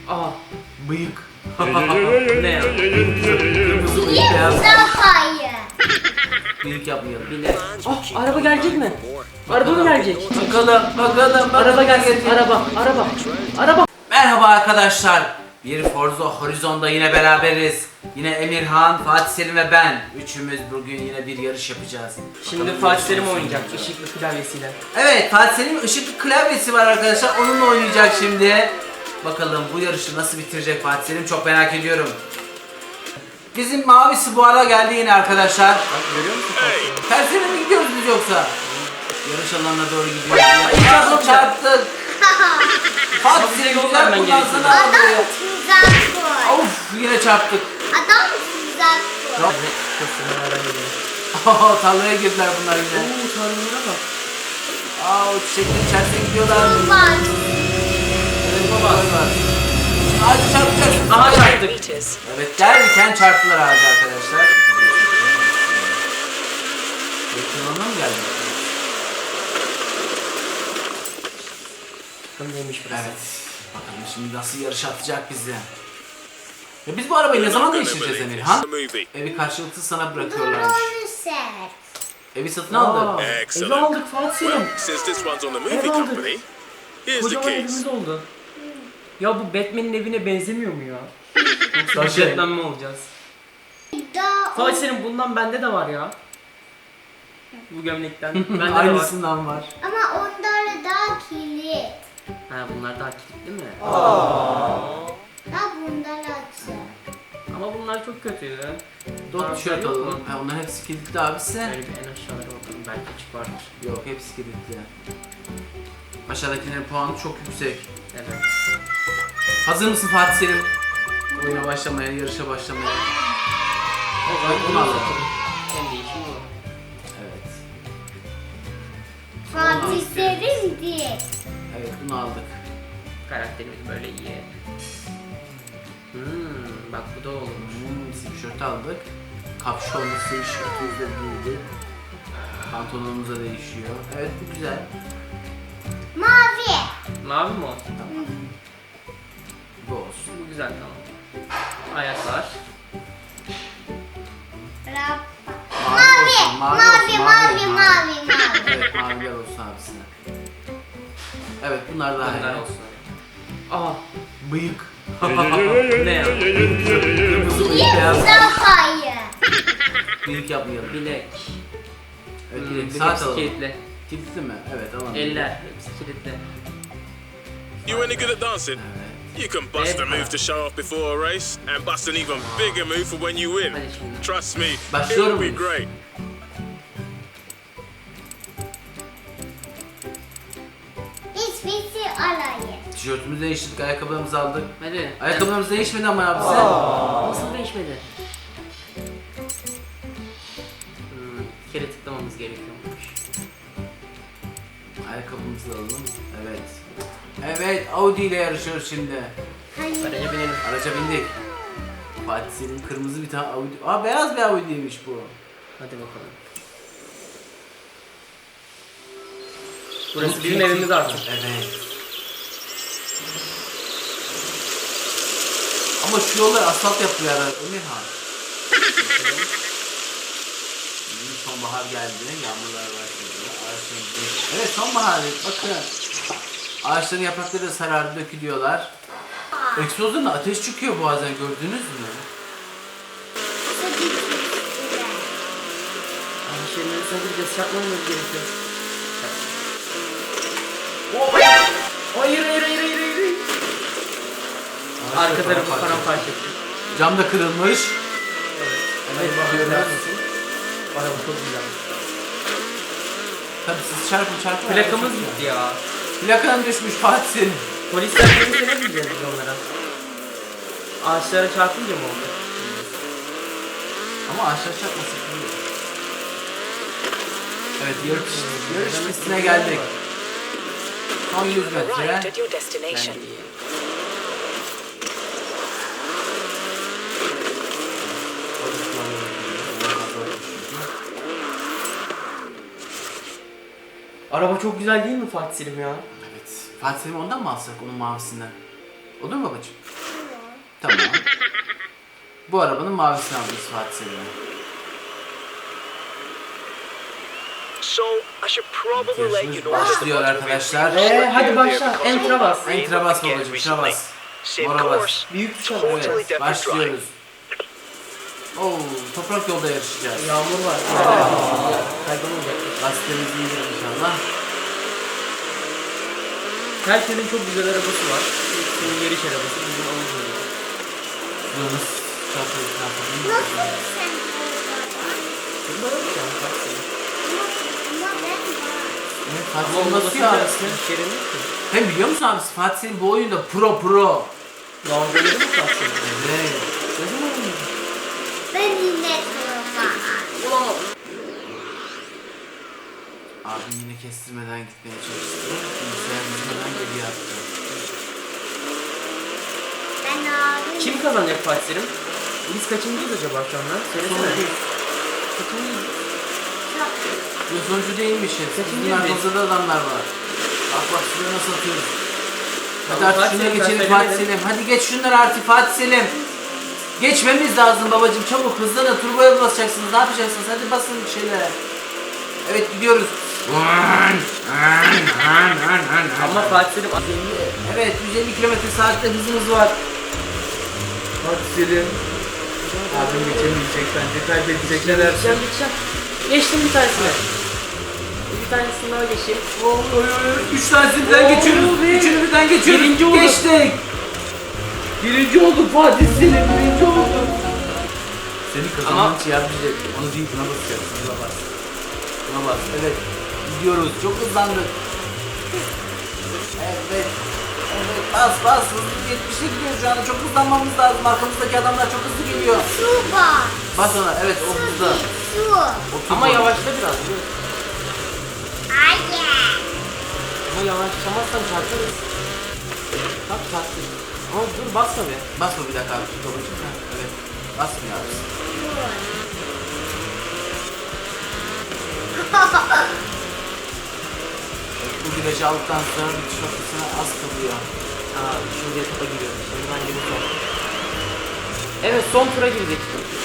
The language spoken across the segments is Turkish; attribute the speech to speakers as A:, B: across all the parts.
A: Aa,
B: Bıyık.
A: ne ya?
B: Kırmızı bıyık beyaz. Bıyık yapmayalım.
A: Bile. Ah, araba gelecek mi? Araba mı gelecek?
B: Bakalım.
A: Araba gelsin. Araba.
B: Merhaba arkadaşlar. Bir Forza Horizon'da yine beraberiz. Yine Emirhan, Fatih Selim ve ben. Üçümüz bugün yine bir yarış yapacağız.
A: Şimdi
B: Bakalım
A: Fatih Selim
B: yarışımız
A: oynayacak
B: nasıl
A: ışıklı klavyesiyle.
B: Evet, Fatih Selim'in ışıklı klavyesi var arkadaşlar. Onunla oynayacak şimdi. Bakalım bu yarışı nasıl bitirecek Fatih Selim, çok merak ediyorum. Bizim mavisi bu ara geldi yine arkadaşlar.
A: Bak görüyor musun Fatih Selim?
B: Tersine mi gidiyoruz biz yoksa? Yarış alanına doğru gidiyoruz.
A: Ay,
B: Çarptık. Fatih
A: Abi,
B: Selim
A: yol
B: güzel
A: vermen
B: kullansana
A: gerekiyor.
B: arabayı.
C: Adam tuzak koy.
B: Of, yine çarptık.
C: Adam tuzak koy.
B: Yok. Tarlaya girdiler bunlar yine.
A: Oo, tanrılara bak.
B: O çiçeklerin içerisine gidiyorlar.
C: Var.
B: Evet baba. Hadi çarpacağız.
A: Aha çarptık.
B: Evet, derken çarptılar ağacı arkadaşlar. Yakınlarına mı geldi?
A: Bakalım neymiş burası.
B: Evet. Bakalım şimdi nasıl yarış atacak bizi. Ya biz bu arabayı ne zaman değiştireceğiz Emirhan? Evi karşılıksız sana bırakıyorlarmış.
C: Doğru ser.
B: Evi satın
A: Aa,
B: aldı.
A: evi aldık Fatih Selim.
D: Since this one's on the movie
A: Ev aldık.
D: company, here's the
A: Kocaman
D: keys.
A: evimiz oldu. Ya bu Batman'in evine benzemiyor mu ya? Yoksa
B: Tabii.
A: biz Batman mi olacağız?
C: Daha
A: Fatih Selim bundan bende de var ya. Bu gömlekten. Bende de var.
B: Aynısından var.
C: ama onlara daha kilit.
A: Ha bunlar daha kilitli mi?
C: Daha bunlar açı.
A: Ama bunlar çok kötüydü.
B: Dot tişört
A: yok mu?
B: alalım. Ha, onların hepsi kilitli abisi.
A: Böyle bir en aşağılara bakalım belki açık vardır.
B: Yok, hepsi kilitli. Aşağıdakilerin puanı çok yüksek.
A: Evet.
B: Hazır mısın Fatih Selim? Oyuna başlamaya, yarışa başlamaya.
A: O zaman
B: Bunu
A: bunu
B: alalım.
A: alalım. En değişim bu.
B: Evet.
C: Fatih Selim diye.
B: Evet, bunu aldık.
A: Karakterimiz böyle iyi. Bak bu da olur.
B: Sweatshirt aldık. Kapşonlu sweatshirtimiz de büyüdü. Pantolonumuza değişiyor. Evet, bu güzel.
C: Mavi.
A: Mavi mi o?
B: Tamam. Bu olsun.
A: Bu güzel tamam. Ayaklar.
C: Rap.
B: Mavi,
C: Mavi, mavi, mavi.
B: Evet, maviler olsun abisine. Evet, bunlar daha
A: Bunlar
B: iyi.
A: olsun. Aa,
B: Bıyık.
A: ne ya?
B: Kırmızı bıyık beyaz.
C: Zafayı.
B: Bıyık yapmayalım.
A: Bilek.
B: Evet,
A: Hmm,
B: saat
A: hepsi
B: alalım.
A: kilitli.
B: Kilitli mi? Evet, alalım.
A: Eller hepsi kilitli.
D: You any good at dancing?
B: Evet.
D: You can bust a move to show off before a race, and bust an even bigger move for when you win.
A: Hadi şimdi.
D: Trust me,
B: Başlıyorum
D: it'll be
B: muyuz?
D: great.
C: Hiçbirisi alayı.
B: Tişörtümüzü değiştirdik, ayakkabılarımızı aldık.
A: Hadi.
B: Ayakkabılarımız değişmedi ama abisi.
A: Nasıl değişmedi? Bir kere tıklamamız gerekiyormuş.
B: Ayakkabımızı da alalım. Evet. Evet, Audi ile yarışıyoruz şimdi.
C: Hayır.
A: Araca binelim.
B: Araca bindik. Fatih Selim kırmızı bir tane Audi. Aa, beyaz bir Audi'ymiş bu.
A: Hadi bakalım. Burası bizim evimiz artık.
B: Evet. Ama şu yollar asfalt yapıyorlar Emirhan. Sonbahar geldi, yağmurlar başladı. Ağaçların... Evet, sonbahar. Bakın. Ağaçların yaprakları da sarardı, dökülüyorlar. Egzozdan da ateş çıkıyor bazen, gördünüz mü?
A: Şeylerin sonra gideceğiz. Çarpmamamız gerekiyor. Hayır. Arka tarafı paramparça etti.
B: Cam da kırılmış.
A: Evet bakıyoruz. Araba çok güzel.
B: Tabii siz çarpın.
A: Plakamız gitti ya.
B: Plakan düşmüş Fatih Selim.
A: Polisler gelirse ne diyeceğiz biz onlara? Ağaçlara çarpınca mı oldu?
B: Ama aşağı çarpmasın. Evet, yarış pistine geldik. Son 100 metre.
E: Arrived at your destination.
A: Araba çok güzel değil mi Fatih Selim ya?
B: Evet. Fatih Selim ondan mı alsak, onun mavisinden? Olur mu babacığım? Tamam. Bu arabanın mavisini aldık Fatih Selim'e.
E: So I should probably let you know
B: Başlıyor arkadaşlar.
A: Hadi başla. Enter'a bas.
B: Enter'a bas babacım, şuna bas.
E: Same
B: Mora bas.
E: course,
A: Büyük tuşa bas.
E: totally
B: Evet,
E: different drive.
B: başlıyoruz. Oo, toprak yolda yarışacağız.
A: Yağmur var. Kaybolmayacak.
B: Lastiklerimizi indirelim inşallah.
A: Herkesin çok güzel arabası var. Senin yarış arabası. Bizim alıcımız.
B: Yunus çarpıyor.
C: Nasıl sen burada?
A: Bunlar öyle yani.
C: Ama ben var.
B: Evet, Fatih Selim basıyor abisi. Hem biliyor musun abisi? Fatih Selim bu oyunda pro.
A: Dalgaları mı kalsın?
B: Evet.
A: Ne zaman oynuyor?
C: Ben yine durma.
B: Abim yine kestirmeden gitmeye çalıştı. Bilgisayarımızı hemen geriye attı.
C: Ben abi.
A: Kim kazanacak Fatih Selim? Biz kaçıncıyız acaba şu anda? Söylesene. Kaçıncıyız?
B: Bu sonucu değilmişiz. Bizim arkamızda da adamlar var. Bak şuraya nasıl atıyoruz. Hadi
A: Tamam,
B: artık
A: Fatih
B: şuna
A: Selim,
B: geçelim
A: sen
B: Fatih
A: söylemedin.
B: Selim. Hadi geç şunları artık Fatih Selim. Geçmemiz lazım babacım, çabuk hızlanın, turboya basacaksınız, ne yapacaksınız, hadi basın bir şeylere. Evet gidiyoruz.
A: Ama Fatih Selim
B: Evet 150 km/saatte hızımız var. Fatih Selim. Abim geçemeyecek bence, kaybedecek ne dersin?
A: Geçeceğim. Geçtim bir tanesine. Bir tanesini daha geçeyim.
B: 3 tanesini birden geçiyoruz. Üçünü birden geçiyoruz.
A: Birinci olduk.
B: Geçtik.
A: Birinci olduk Fatih Selim, birinci olduk.
B: Seni kazanman için yardımcı. Onu değil, buna basacaksın. Buna bas. Buna bas. Evet. Gidiyoruz. Çok hızlandık. Evet. Evet. Bas. Hızlı 70'e gidiyor şu anda. Çok hızlanmamız lazım. Arkamızdaki adamlar çok hızlı geliyor.
C: Su var.
B: Bas ona. Evet o hızlı.
C: Su.
A: Ama yavaşla biraz.
C: Hayır.
A: Ama yavaşlamazsan çarparız. Bak çarptı. Ama dur basma be.
B: Basma bir dakika abi. Tut babacığım. Ha, evet. Basmıyor abi. Bu virajı aldıktan sonra bitiş noktasına az kalıyor.
A: Aa, şimdi etapa giriyoruz. Şimdi bence bu son. Evet, son tura girdik.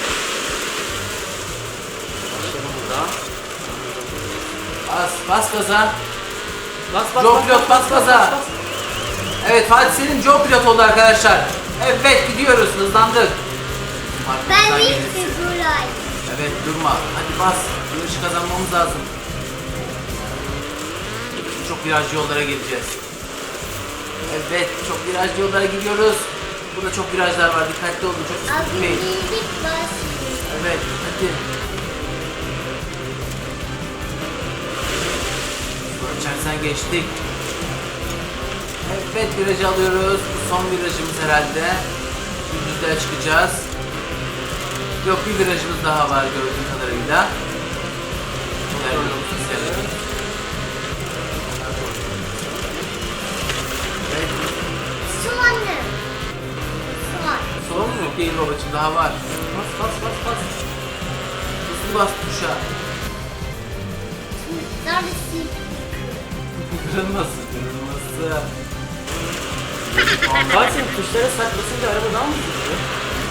A: Başlayalım burada.
B: Bas gaza.
A: Bas.
B: Joe pilot, bas gaza. Evet Fatih Selim Joe pilot oldu arkadaşlar. Evet gidiyoruz, hızlandık.
C: Ben
B: Arkamızdan
C: ilk
B: gelirsin.
C: buradayım.
B: Evet durma. Hadi bas. Yarışı kazanmamız lazım. Çok virajlı yollara geleceğiz. Evet çok virajlı yollara gidiyoruz. Burada çok virajlar var. Dikkatli olun. Çok hızlı
C: Abi
B: gitmeyin.
C: birlik basıyor.
B: Evet hadi. Geçersen geçtik. Evet virajı alıyoruz. Bu son virajımız herhalde. Düzlüğe çıkacağız. Yok bir virajımız daha var gördüğüm kadarıyla.
C: Su anne. Su var.
B: Son mu? Değil babacığım daha var.
A: Bas.
B: Hızlı bas tuşa.
C: Neredesin?
B: Kırılmasın.
A: Fatih Selim tuşlara saklasınca araba daha mı hızlı?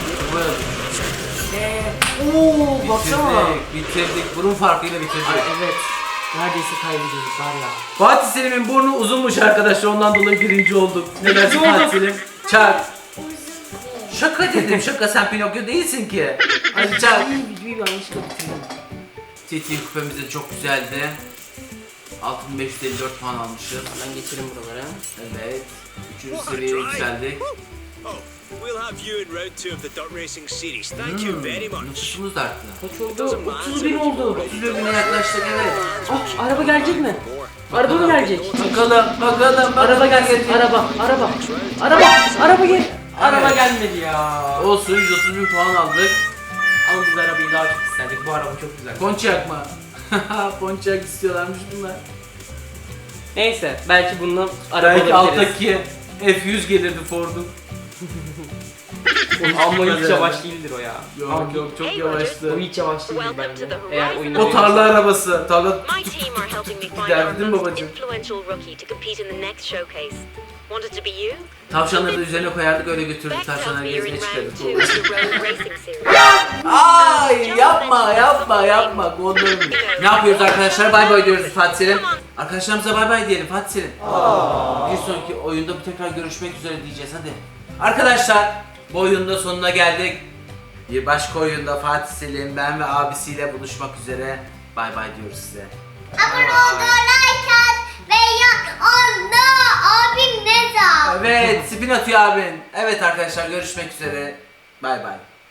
A: Ooo baksana.
B: Bitirdik. Burun farkıyla bitirdik.
A: Ay, evet. Neredeyse kaybediyorduk var ya.
B: Fatih Selim'in burnu uzunmuş arkadaşlar. Ondan dolayı birinci olduk. Ne dersin Fatih Selim? Çak.
C: Uzun.
B: Şaka dedim. Şaka, sen Pinokyo değilsin ki. Hadi çak.
A: Videoyu yanlışlıkla bitirdim.
B: TT kupemiz de çok güzeldi. 6554 puan almışız.
A: Ben geçelim buralara.
B: Evet. 3. seviyeye yükseldik.
D: Oh, we'll have you in round 2 of the Dirt Racing Series. Thank you very much.
B: Nüfusumuz da arttı.
A: Kaç oldu? 30 bin oldu.
B: 30 bine yaklaştık evet.
A: Ah, araba gelecek mi? Araba mı gelecek?
B: Bakalım.
A: Araba gelsin. Araba gel. Araba gelmedi ya.
B: Olsun 130 bin puan aldık.
A: Ama biz arabayı daha çok isterdik. Bu araba çok güzel.
B: Pontiac mı? Pontiac istiyorlarmış bunlar.
A: Neyse belki bununla araba
B: Belki
A: alabiliriz.
B: alttaki F100 gelirdi Ford'un.
A: Ama hiç yavaş değildir o ya.
B: Yok çok yavaştı.
A: O hiç yavaş değildir
F: Welcome
A: bence.
F: to the
A: Eğer
F: Horizon
A: oyunda
B: O tarla arabası. Tarla
F: My team are helping me find
B: Derdin
F: our most
B: babacığım.
F: influential rookie to compete in the next showcase. Wanted to be you?
B: Tavşanları da üzerine koyardık, öyle götürdük, tavşanları gezmeye
F: in round
B: çıkardık.
F: 2 of the road racing series.
B: Ay yapma Gondor'um. Ne yapıyoruz arkadaşlar? Bay bay diyoruz Fatih Selim. Arkadaşlarımıza bay bay diyelim Fatih Selim. Bir sonraki oyunda tekrar görüşmek üzere diyeceğiz hadi. Arkadaşlar bu oyunun da sonuna geldik. Bir başka oyunda Fatih Selim, ben ve abisiyle buluşmak üzere. Bay bay diyoruz size.
C: Abone ol, like at ve yan onda abim ne zaman?
B: Evet, spin atıyor abin. Evet arkadaşlar görüşmek üzere. Bay bay.